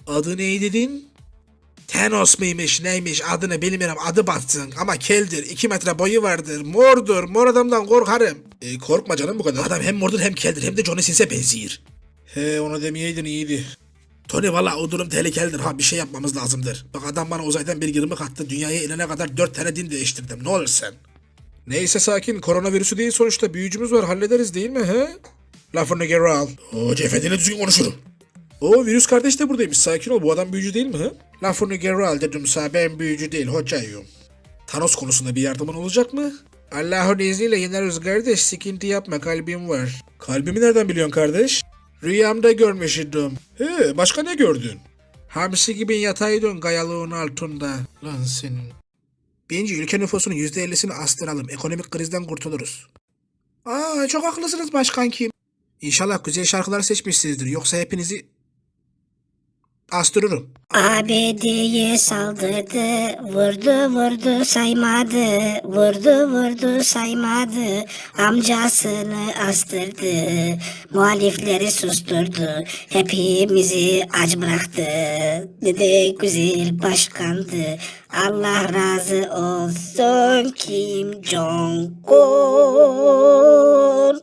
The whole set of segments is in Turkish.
Adı ne dedin? Thanos mıymış neymiş adını bilmiyorum, adı batsın ama keldir, 2 metre boyu vardır, mordur, mor adamdan korkarım. Korkma canım bu kadar. Adam hem mordur hem keldir hem de Johnny Sins'e benziyor. He onu demeyeydin iyiydi. Tony valla o durum tehlikelidir ha, bir şey yapmamız lazımdır. Bak adam bana uzaydan bir yırmık attı, dünyaya inene kadar 4 tane din değiştirdim, ne olur sen. Neyse sakin, koronavirüsü değil sonuçta, büyücümüz var, hallederiz değil mi he? Lafını geri al. O cefedine düzgün konuşurum. O virüs kardeş de buradaymış, sakin ol, bu adam büyücü değil mi he? Lafını geri al dedim sana, ben büyücü değil hocayım. Thanos konusunda bir yardımın olacak mı? Allah'ın izniyle yeneriz kardeş, sıkıntı yapma, kalbim var. Kalbimi nereden biliyorsun kardeş? Rüyamda görmüştüm. He, başka ne gördün? Hamsi gibi yataydın kayalığın altında. Lan senin. Bence ülke nüfusunun %50'sini astıralım. Ekonomik krizden kurtuluruz. Aa, çok haklısınız başkankim. İnşallah güzel şarkılar seçmişsinizdir. Yoksa hepinizi astırırım. ABD'ye saldırdı, vurdu saymadı, vurdu saymadı, amcasını astırdı, muhalifleri susturdu, hepimizi aç bıraktı, ne güzel başkandı, Allah razı olsun Kim Jong-un.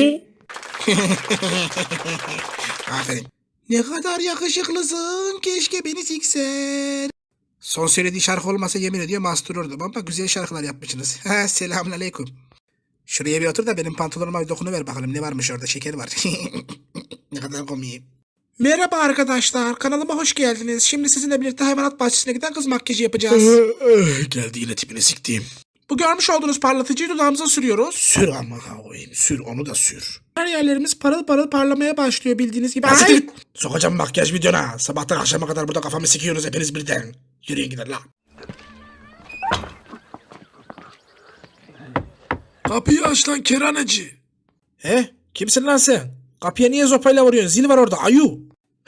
Aferin. Ne kadar yakışıklısın. Keşke beni siksen. Son söylediği şarkı olmasa yemin ediyorum astırırdım ama güzel şarkılar yapmışsınız. Selamünaleyküm. Şuraya bir otur da benim pantolonuma bir dokunuver bakalım ne varmış orada, şeker var. Ne kadar komiyim. Merhaba arkadaşlar, kanalıma hoş geldiniz. Şimdi sizinle birlikte hayvanat bahçesine giden kız makyajı yapacağız. Geldi yine tipini siktiğim. Bu görmüş olduğunuz parlatıcıyı dudağımıza sürüyoruz. Sür ama koyayım, sür onu da sür. Her yerlerimiz parıl parıl parlamaya başlıyor bildiğiniz gibi. Ay! Sokacağım makyaj videona. Sabahtan akşama kadar burada kafamı sikiyorsunuz hepiniz birden. Yürüyün gidin lan. Kapıyı aç lan keraneci. He? Kimsin lan sen? Kapıya niye zopayla vuruyorsun? Zil var orada ayu.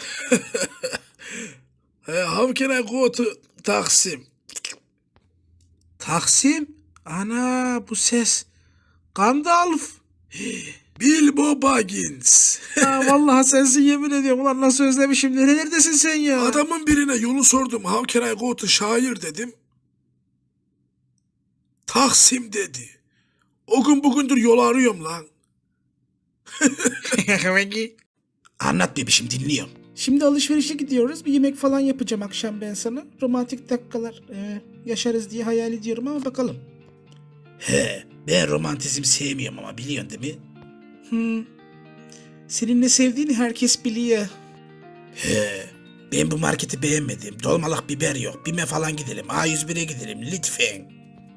How can I go to Taksim? Taksim? Ana bu ses. Gandalf. Bilbo Baggins. Ha, vallahi sensin yemin ediyorum. Ulan nasıl özlemişim. Nerelerdesin sen ya? Adamın birine yolu sordum. How can I go to şair dedim. Taksim dedi. O gün bugündür yol arıyorum lan. Anlat bebişim, dinliyorum. Şimdi alışverişe gidiyoruz. Bir yemek falan yapacağım akşam ben sana. Romantik dakikalar yaşarız diye hayal ediyorum ama bakalım. He, ben romantizm sevmiyorum ama biliyorsun değil mi? Senin ne sevdiğini herkes biliyor. He, ben bu marketi beğenmedim. Dolmalık biber yok. BİM'e falan gidelim. A101'e gidelim lütfen.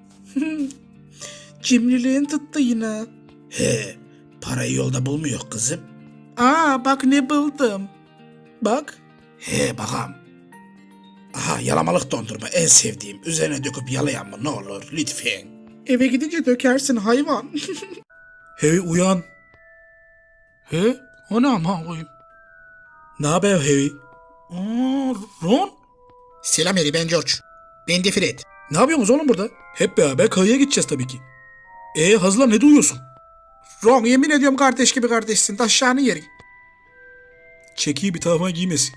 Cimriliğin tuttu yine. He, parayı yolda bulmuyor kızım. Aa bak ne buldum. Bak. He bakalım. Aha, yalamalık dondurma en sevdiğim. Üzerine döküp yalayan mı ne olur lütfen. Eve gidince dökersin hayvan. Hey uyan. He? O ne ama koyayım? Ne haber Harry? Ron? Selam Harry, ben George. Ben de Fred. Ne yapıyorsunuz oğlum burada? Hep beraber kayaya gideceğiz tabii ki. Hazırlan, ne duyuyorsun? Ron, yemin ediyorum kardeş gibi kardeşsin. Taşağını yerin. Çekiyi bir tarafa giymesin.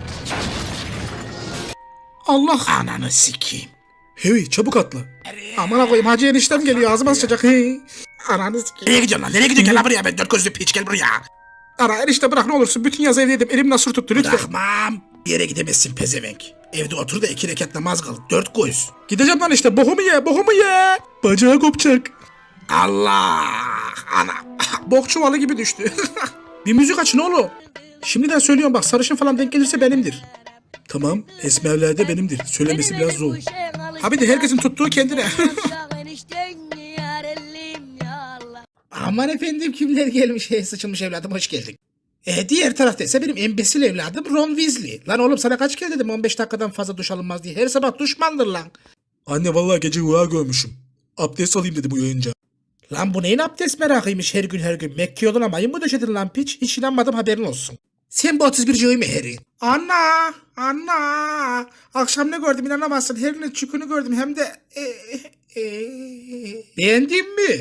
Allah ananı sikeyim. Harry çabuk atla. Aman koyayım, hacı eniştem geliyor, ağzıma sıçacak. Hey. Ananı sikeyim. Nereye gidiyorsun lan? Nereye gidiyorsun? Gel lan buraya, ben 4 gözlü piç, gel buraya. Ara enişte bırak ne olursun, bütün yaz evdeydim, elim nasır tuttu lütfen. Bırakmam. Bir yere gidemezsin pezevenk. Evde otur da 2 rekat namaz kıl, 4 göz. Gideceğim lan işte, bokumu ye. Bacağı kopacak. Allah. Ana. Bok çuvalı gibi düştü. Bir müzik aç ne oğlum. Şimdiden söylüyorum bak, sarışın falan denk gelirse benimdir. Tamam, esmerler de benimdir. Söylemesi biraz zor. Abi de herkesin tuttuğu kendine. Aman efendim, kimler gelmiş? Sıçılmış evladım, hoş geldin. Diğer tarafta ise benim embesil evladım Ron Weasley. Lan oğlum sana kaç kere dedim 15 dakikadan fazla duş alınmaz diye. Her sabah duşmandır lan. Anne vallahi gece rüya görmüşüm. Abdest alayım dedim uyanınca. Lan bu neyin abdest merakıymış her gün. Mekke yoluna mayın mı döşedin lan piç? Hiç inanmadım, haberin olsun. Sen bu 31 mi Harry? Anna. Akşam ne gördüm inanamazsın. Harry'nin çükünü gördüm hem de... Beğendin mi?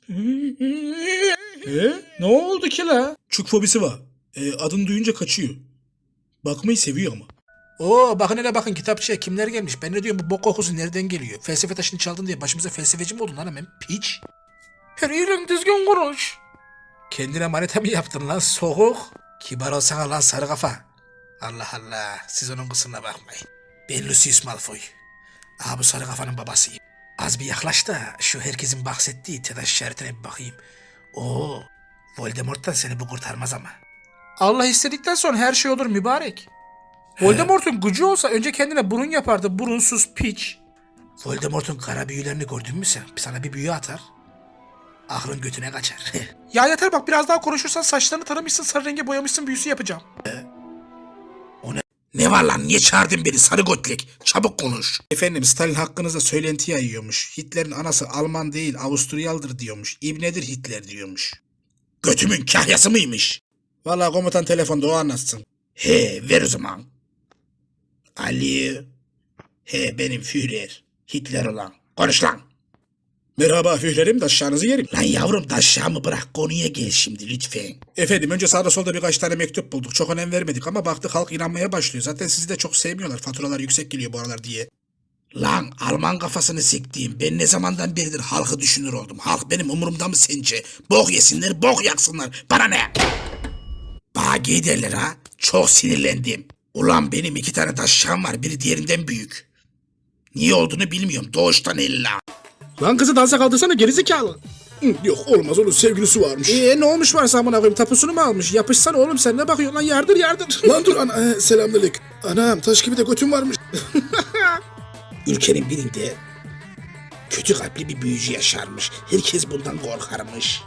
Ne oldu ki la? Çük fobisi var. Adını duyunca kaçıyor. Bakmayı seviyor ama. Oo bakın hele bakın kitapçıya kimler gelmiş. Ben ne diyorum bu bok kokusu nereden geliyor? Felsefe taşını çaldın diye başımıza felsefeci mi oldun lan hemen? Piç. Her yerin düzgün konuş. Kendine manita mı yaptın lan soğuk? Kibar olsana lan sarı kafa. Allah Allah siz onun kusuruna bakmayın. Ben Lucius Malfoy. Aha bu sarı kafanın babasıyım. Az bir yaklaş da şu herkesin bahsettiği TEDAŞ işaretine bir bakayım. Oo, Voldemort'tan seni bu kurtarmaz ama. Allah istedikten sonra her şey olur mübarek. Voldemort'un gücü olsa önce kendine burun yapardı. Burunsuz piç. Voldemort'un kara büyülerini gördün mü sen? Sana bir büyü atar. Aklın götüne kaçar. Ya yeter bak biraz daha konuşursan saçlarını taramışsın sarı renge boyamışsın büyüsü yapacağım. O ne? Ne var lan? Niye çağırdın beni sarı götlek? Çabuk konuş. Efendim Stalin hakkınızda söylenti yayıyormuş. Hitler'in anası Alman değil Avusturyalıdır diyormuş. İbnedir Hitler diyormuş. Götümün kahyası mıymış? Vallahi komutan telefonda o anlatsın. He ver o zaman. Ali. He benim Führer. Hitler olan. Konuş lan. Merhaba Führer'im daşşağınızı yerim. Lan yavrum daşşağımı bırak konuya gel şimdi lütfen. Efendim önce sağda solda birkaç tane mektup bulduk. Çok önem vermedik ama baktık halk inanmaya başlıyor. Zaten sizi de çok sevmiyorlar. Faturalar yüksek geliyor bu aralar diye. Lan Alman kafasını siktiğim ben ne zamandan beridir halkı düşünür oldum. Halk benim umurumda mı sence? Bok yesinler bok yaksınlar. Bana ne? Bana gey derler ha. Çok sinirlendim. Ulan benim 2 tane daşşağım var. Biri diğerinden büyük. Niye olduğunu bilmiyorum. Doğuştan illa. Lan kızı dansa kaldırsana gerizekalı. Yok olmaz onun sevgilisi varmış. Ne olmuş varsa amına koyayım tapusunu mu almış? Yapışsana oğlum sen ne bakıyorsun lan yardır. Lan dur ana selamünaleyküm. Anam taş gibi de götüm varmış. Ülkenin birinde kötü kalpli bir büyücü yaşarmış. Herkes bundan korkarmış.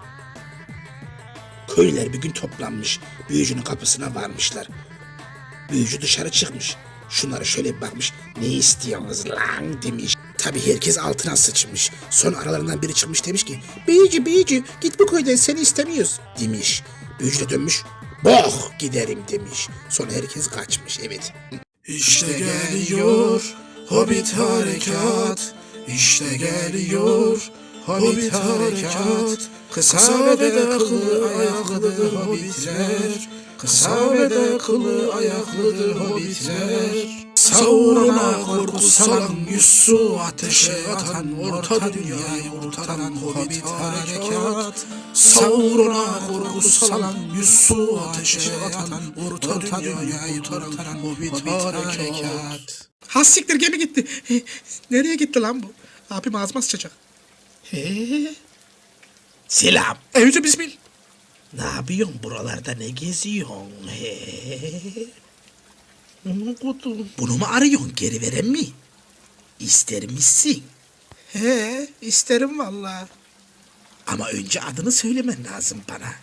Köylüler bir gün toplanmış. Büyücünün kapısına varmışlar. Büyücü dışarı çıkmış. Şunlara şöyle bir bakmış. Ne istiyorsunuz lan demiş. Tabii herkes altına sıçmış. Sonra aralarından biri çıkmış demiş ki büyücü git bu köyden seni istemiyoruz demiş. Büyücü de dönmüş. Boh giderim demiş. Sonra herkes kaçmış evet. İşte geliyor Hobbit harekat. İşte geliyor Hobbit harekat. Kısa ve de kılı ayaklıdır hobbitler. Kısa ve de kılı ayaklıdır hobbitler. Sauron'a korku salan yüz su ateşe atan orta dünyayı kurtaran hobbit harekat. Sauron'a korku salan yüz su ateşe atan orta dünyayı kurtaran hobbit harekat. Ha siktir gemi gitti. Nereye gitti lan bu? Abim ağzıma sıçacak. Selam. Evcü bismillah. Ne yapıyorsun buralarda ne geziyorsun? Bunu mu arıyorsun geri veren mi? İster misin? He isterim valla. Ama önce adını söylemen lazım bana.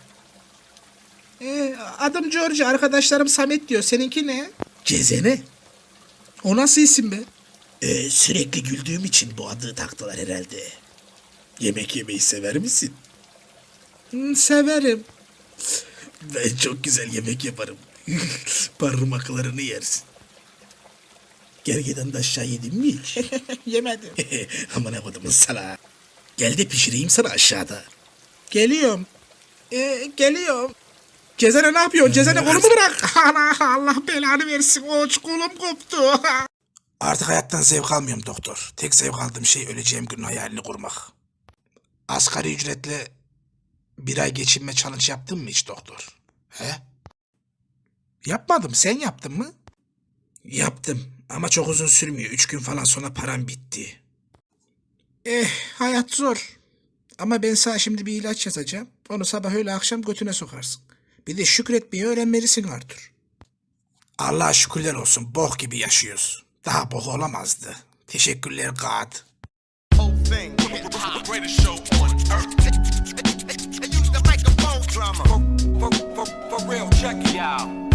Adım George arkadaşlarım Samet diyor seninki ne? Cezene. O nasıl isim be? Sürekli güldüğüm için bu adı taktılar herhalde. Yemek yemeyi sever misin? Severim. Ben çok güzel yemek yaparım. Parmaklarını yersin. Gergedan da aşağı yedin mi hiç? Yemedim. Aman kodumun sana. Gel de pişireyim sana aşağıda. Geliyorum. Geliyorum. Cezene ne yapıyorsun? Cezene kolumu bırak. Allah belanı versin. Kolum koptu. Artık hayattan zevk almıyorum doktor. Tek zevk aldığım şey öleceğim günün hayalini kurmak. Asgari ücretle bir ay geçinme challenge yaptın mı hiç doktor? He? Yapmadım. Sen yaptın mı? Yaptım. Ama çok uzun sürmüyor. 3 gün falan sonra param bitti. Hayat zor. Ama ben sana şimdi bir ilaç yazacağım. Onu sabah öyle akşam götüne sokarsın. Bir de şükretmeyi öğrenmelisin Arthur. Allah'a şükürler olsun. Bok gibi yaşıyoruz. Daha bok olamazdı. Teşekkürler God. Whole thing. The greatest show on earth. They use the microphone drama. For real, check it out.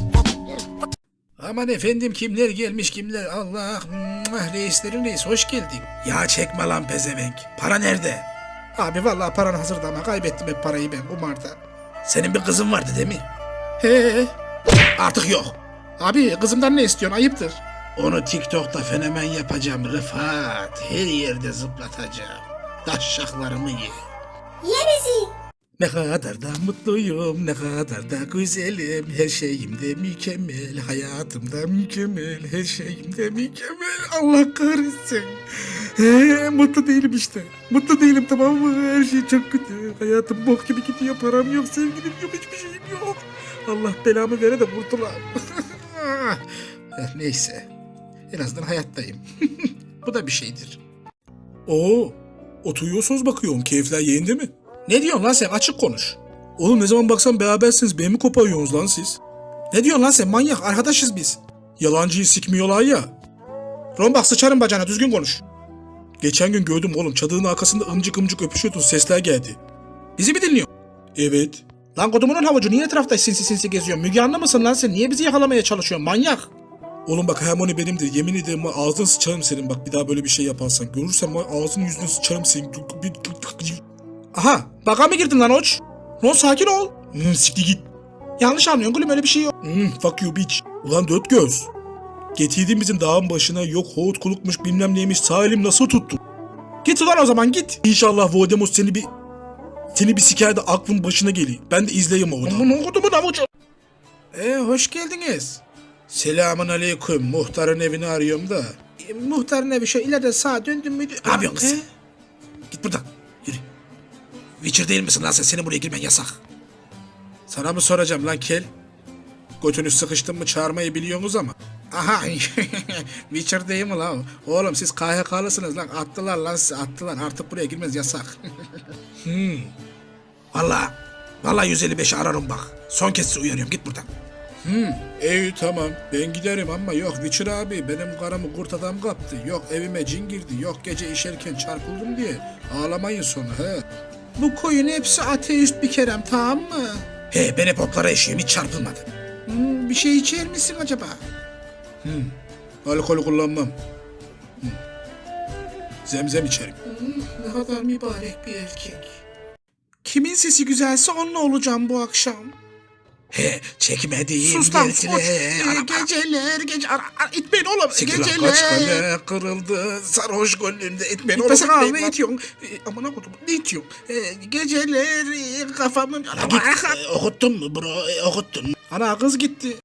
Aman efendim kimler gelmiş kimler Allah reislerin reis hoş geldin. Ya çekme lan pezevenk. Para nerede? Abi vallahi paran hazırdı ama kaybettim hep parayı ben kumarda. Senin bir kızın vardı değil mi? He. Artık yok. Abi kızımdan ne istiyorsun ayıptır. Onu TikTok'ta fenomen yapacağım Rıfat. Her yerde zıplatacağım. Taşşaklarımı ye. Ye bizi. Ne kadar da mutluyum, ne kadar da güzelim, her şeyimde mükemmel, hayatımda mükemmel, her şeyimde mükemmel. Allah kahretsin. Mutlu değilim işte. Mutlu değilim, tamam mı? Her şey çok kötü. Hayatım bok gibi gidiyor, param yok, sevgilim yok, hiçbir şeyim yok. Allah belamı vere de kurtulayım. Neyse. En azından hayattayım. Bu da bir şeydir. Oo, oturuyorsunuz bakıyorum. Keyifler yerinde mi? Ne diyorsun lan sen? Açık konuş. Oğlum ne zaman baksan berabersiniz. Beni mi koparıyorsunuz lan siz? Ne diyorsun lan sen? Manyak. Arkadaşız biz. Yalancıyı sikmiyorlar ya. Ron bak sıçarım bacağına, düzgün konuş. Geçen gün gördüm oğlum. Çadırın arkasında ımcık ımcık öpüşüyordun. Sesler geldi. Bizi mi dinliyorsun? Evet. Lan kodumunun havucu, niye etrafta sinsi sinsi geziyorsun? Müge Anlı mısın lan sen? Niye bizi yakalamaya çalışıyorsun? Manyak. Oğlum bak Hermione benimdir. Yemin ederim var, ağzını sıçarım senin. Bak bir daha böyle bir şey yaparsan. Görürsem var, ağzını yüzünü sıçarım senin. Aha. Baka mı girdin lan Oç? Ron sakin ol. Siktir git. Yanlış anlıyorsun gülüm, öyle bir şey yok. Fuck you bitch. Ulan dört göz. Getirdin bizim dağın başına, yok hoğut kulukmuş bilmem neymiş, sağ elim nasıl tuttu? Git ulan o zaman, git. İnşallah Voldemort seni bir siker de aklın başına geliyor. Ben de izleyeyim orada. Aman kodumun havucu. Hoş geldiniz. Selamun aleyküm. Muhtarın evini arıyorum da. Muhtarın evi şu ileride sağa döndüm müydü? Ne yapıyorsun kız? Git buradan. Yürü. Witcher değil misin lan sen? Senin buraya girmen yasak. Sana mı soracağım lan kel? Götünü sıkıştın mı çağırmayı biliyorsunuz ama. Aha. Witcher değil mi lan? Oğlum siz KHK'lısınız lan. Attılar lan sizi, attılar. Artık buraya girmez, yasak. Vallahi 155'i ararım bak. Son kez sizi uyarıyorum, git buradan. İyi tamam ben giderim ama yok Witcher abi benim karımı kurt adam kaptı. Yok evime cin girdi. Yok gece işerken çarpıldım diye. Ağlamayın sonra he. Bu koyun hepsi ateist bir kerem, tamam mı? He, ben hep otlara işiyorum, hiç çarpılmadım. Bir şey içer misin acaba? Alkol kullanmam. Zemzem içerim. Ne kadar mübarek bir erkek. Kimin sesi güzelse onunla olacağım bu akşam. He, çekmediğim Sus lan, geceler, sus. geceler, itmeyin oğlum. Siktir lan, Geceler. kaç kale kırıldı, sarhoş gönlümde, itmeyin oğlum. İtmesene abi, Ne lan. itiyorsun? Aman okudum, ne itiyorsun? Geceler kafamın... Okuttun mu bro? Okuttun mu? Ana kız gitti.